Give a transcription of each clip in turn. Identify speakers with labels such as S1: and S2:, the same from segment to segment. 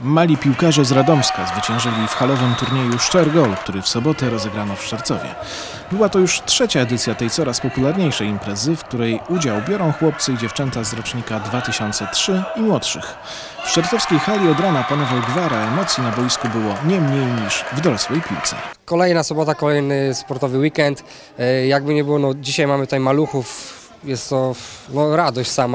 S1: Mali piłkarze z Radomska zwyciężyli w halowym turnieju Szczergol, który w sobotę rozegrano w Szczercowie. Była to już trzecia edycja tej coraz popularniejszej imprezy, w której udział biorą chłopcy i dziewczęta z rocznika 2003 i młodszych. W szczercowskiej hali od rana panował gwar, a emocji na boisku było nie mniej niż w dorosłej piłce.
S2: Kolejna sobota, kolejny sportowy weekend. Jakby nie było, no, dzisiaj mamy tutaj maluchów, jest to radość sama.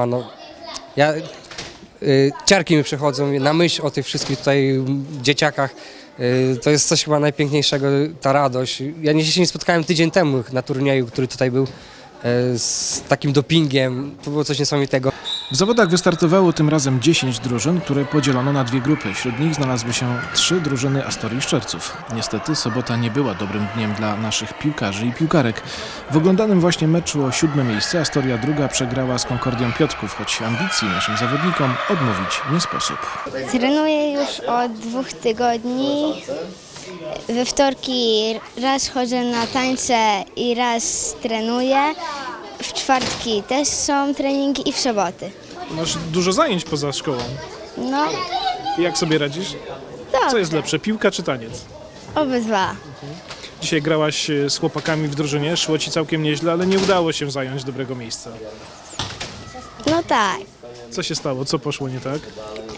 S2: Ciarki mi przechodzą na myśl o tych wszystkich tutaj dzieciakach. To jest coś chyba najpiękniejszego, ta radość. Ja się nie spotkałem tydzień temu na turnieju, który tutaj był z takim dopingiem. To było coś niesamowitego.
S1: W zawodach wystartowało tym razem 10 drużyn, które podzielono na dwie grupy. Wśród nich znalazły się 3 drużyny Astorii Szczerców. Niestety sobota nie była dobrym dniem dla naszych piłkarzy i piłkarek. W oglądanym właśnie meczu o 7. miejsce Astoria II przegrała z Konkordią Piotrków, choć ambicji naszym zawodnikom odmówić nie sposób.
S3: Trenuję już od 2 tygodni. We wtorki raz chodzę na tańce i raz trenuję. W czwartki też są treningi i w soboty.
S4: Masz dużo zajęć poza szkołą.
S3: No,
S4: Jak sobie radzisz? Co jest lepsze, piłka czy taniec?
S3: obydwa.
S4: Dzisiaj grałaś z chłopakami w drużynie, szło ci całkiem nieźle, ale nie udało się zająć dobrego miejsca.
S3: No tak.
S4: Co się stało? Co poszło nie tak?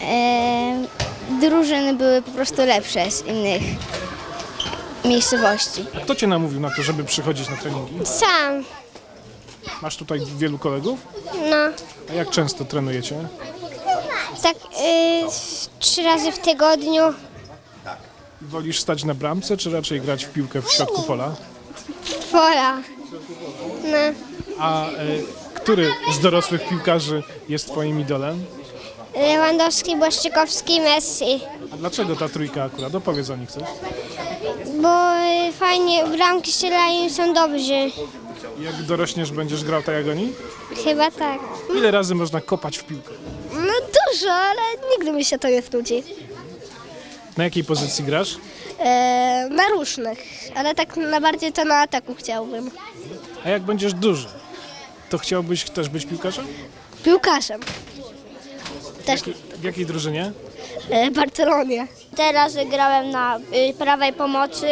S3: Drużyny były po prostu lepsze z innych miejscowości.
S4: A kto cię namówił na to, żeby przychodzić na treningi?
S5: Sam,
S4: Masz tutaj wielu kolegów?
S5: no,
S4: A jak często trenujecie?
S5: tak 3 razy w tygodniu.
S4: Wolisz stać na bramce, czy raczej grać w piłkę w środku pola?
S5: Pola. No,
S4: A który z dorosłych piłkarzy jest twoim idolem?
S5: Lewandowski, Błaszczykowski, Messi.
S4: A dlaczego ta trójka akurat? Opowiedz o nich coś.
S5: Bo fajnie bramki strzelają i są dobrzy.
S4: Jak dorośniesz, będziesz grał tak jak oni?
S5: Chyba tak.
S4: Ile razy można kopać w piłkę?
S6: No dużo, ale nigdy mi się to nie znudzi.
S4: Na jakiej pozycji grasz?
S6: Na różnych, ale tak na bardziej to na ataku chciałbym.
S4: A jak będziesz duży, to chciałbyś też być piłkarzem?
S6: Piłkarzem. Też
S4: W jakiej drużynie?
S6: w Barcelonie.
S5: Teraz grałem na prawej pomocy.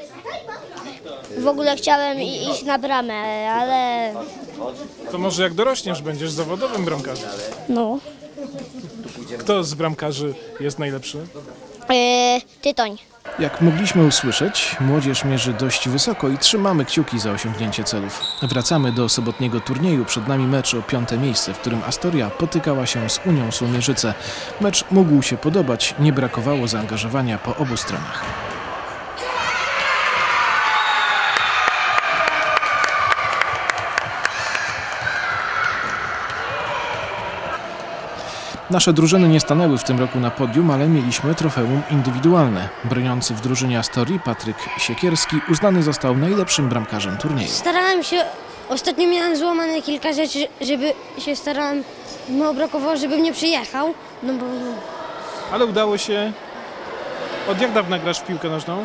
S5: W ogóle chciałem iść na bramę, ale
S4: To może jak dorośniesz, będziesz zawodowym bramkarzem.
S6: No.
S4: Kto z bramkarzy jest najlepszy?
S5: Tytoń.
S1: Jak mogliśmy usłyszeć, młodzież mierzy dość wysoko i trzymamy kciuki za osiągnięcie celów. Wracamy do sobotniego turnieju. Przed nami mecz o 5. miejsce, w którym Astoria potykała się z Unią Słomierzyce. Mecz mógł się podobać, nie brakowało zaangażowania po obu stronach. Nasze drużyny nie stanęły w tym roku na podium, ale mieliśmy trofeum indywidualne. Broniący w drużynie Astorii Patryk Siekierski uznany został najlepszym bramkarzem turnieju.
S7: Starałem się, ostatnio miałem złamane kilka rzeczy, żeby się starałem, mało brakowało, żebym nie przyjechał, no bo
S4: Ale udało się. Od jak dawna grasz w piłkę nożną?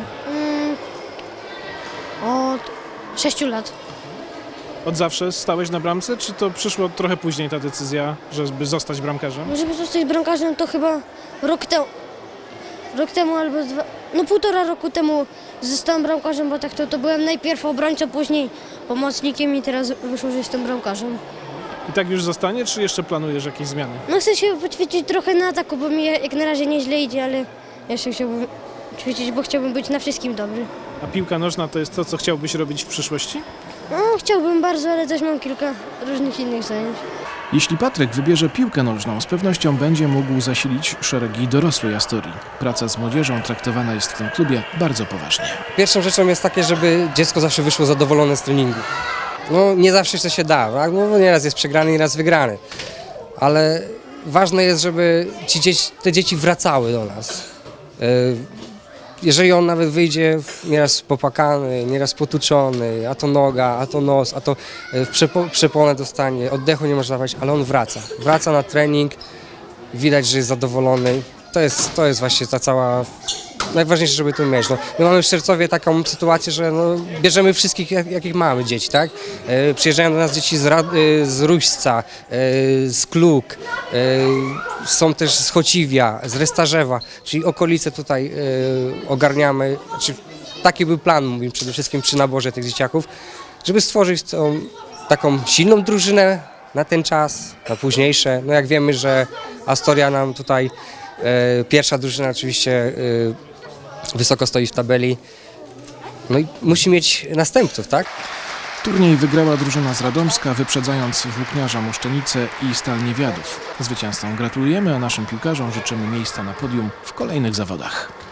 S7: od 6 lat.
S4: Od zawsze stałeś na bramce, czy to przyszło trochę później ta decyzja, żeby zostać bramkarzem?
S7: No żeby zostać bramkarzem to chyba rok temu albo półtora roku temu zostałem bramkarzem, bo tak to byłem najpierw obrońcą, później pomocnikiem i teraz wyszło, że jestem bramkarzem.
S4: I tak już zostanie, czy jeszcze planujesz jakieś zmiany?
S7: No chcę się poćwiczyć trochę na ataku, bo mi jak na razie nieźle idzie, ale jeszcze chciałbym ćwiczyć, bo chciałbym być na wszystkim dobry.
S4: A piłka nożna to jest to, co chciałbyś robić w przyszłości?
S7: No, chciałbym bardzo, ale też mam kilka różnych innych zajęć.
S1: Jeśli Patryk wybierze piłkę nożną, z pewnością będzie mógł zasilić szeregi dorosłej Astorii. Praca z młodzieżą traktowana jest w tym klubie bardzo poważnie.
S2: Pierwszą rzeczą jest takie, żeby dziecko zawsze wyszło zadowolone z treningu. No nie zawsze to się da, tak? No, nieraz jest przegrany, nieraz wygrany. Ale ważne jest, żeby te dzieci wracały do nas. Jeżeli on nawet wyjdzie nieraz popłakany, nieraz potuczony, a to noga, a to nos, a to przeponę dostanie, oddechu nie może dawać, ale on wraca. Wraca na trening, widać, że jest zadowolony. To jest właśnie ta cała najważniejsze, żeby tu mieć. No, my mamy w Szczercowie taką sytuację, że no, bierzemy wszystkich, jakich mamy dzieci, tak? Przyjeżdżają do nas dzieci z Ruśca, z Kluk, są też z Chociwia, z Restarzewa, czyli okolice tutaj ogarniamy. Znaczy, taki był plan, mówię, przede wszystkim przy naborze tych dzieciaków, żeby stworzyć tą taką silną drużynę na ten czas, na późniejsze. No jak wiemy, że Astoria nam tutaj, pierwsza drużyna oczywiście wysoko stoi w tabeli, no i musi mieć następców, tak?
S1: Turniej wygrała drużyna z Radomska, wyprzedzając Włókniarza Moszczenice i Stal Niewiadów. Zwycięzcom gratulujemy, a naszym piłkarzom życzymy miejsca na podium w kolejnych zawodach.